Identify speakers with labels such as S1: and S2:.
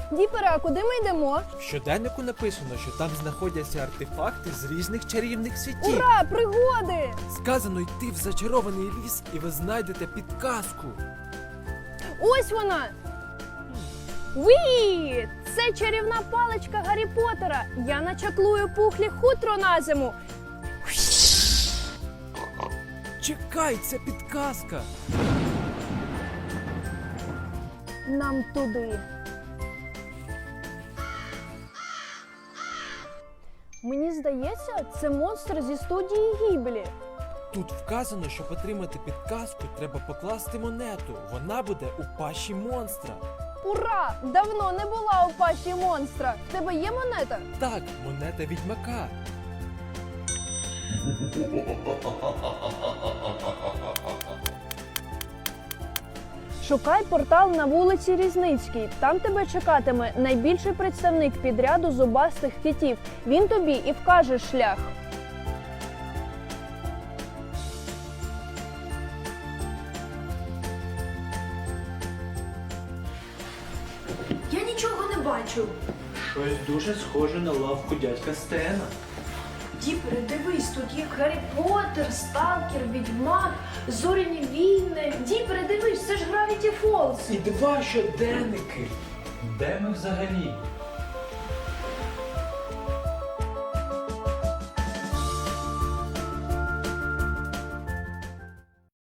S1: Діпере, а куди ми йдемо?
S2: В щоденнику написано, що там знаходяться артефакти з різних чарівних світів.
S1: Ура, пригоди!
S2: Сказано йти в зачарований ліс, і ви знайдете підказку.
S1: Ось вона! Уі! Це чарівна паличка Гаррі Поттера. Я начаклую пухлі хутро на зиму.
S2: Чекай, це підказка.
S1: Нам туди. Мені здається, це монстр зі студії Гіблі.
S2: Тут вказано, щоб отримати підказку, треба покласти монету. Вона буде у пащі монстра.
S1: Ура! Давно не була у пащі монстра. В тебе є монета?
S2: Так, монета відьмака.
S1: Шукай портал на вулиці Різницькій. Там тебе чекатиме найбільший представник підряду зубастих китів. Він тобі і вкаже шлях.
S3: Я нічого не бачу.
S4: Щось дуже схоже на лавку дядька Стена.
S3: Діпере, дивись, тут є Гаррі Поттер, Сталкер, Відьмак, Зоряні війни. Діпере, дивись, це ж Гравіті Фолз.
S4: І два щоденники. Де ми взагалі?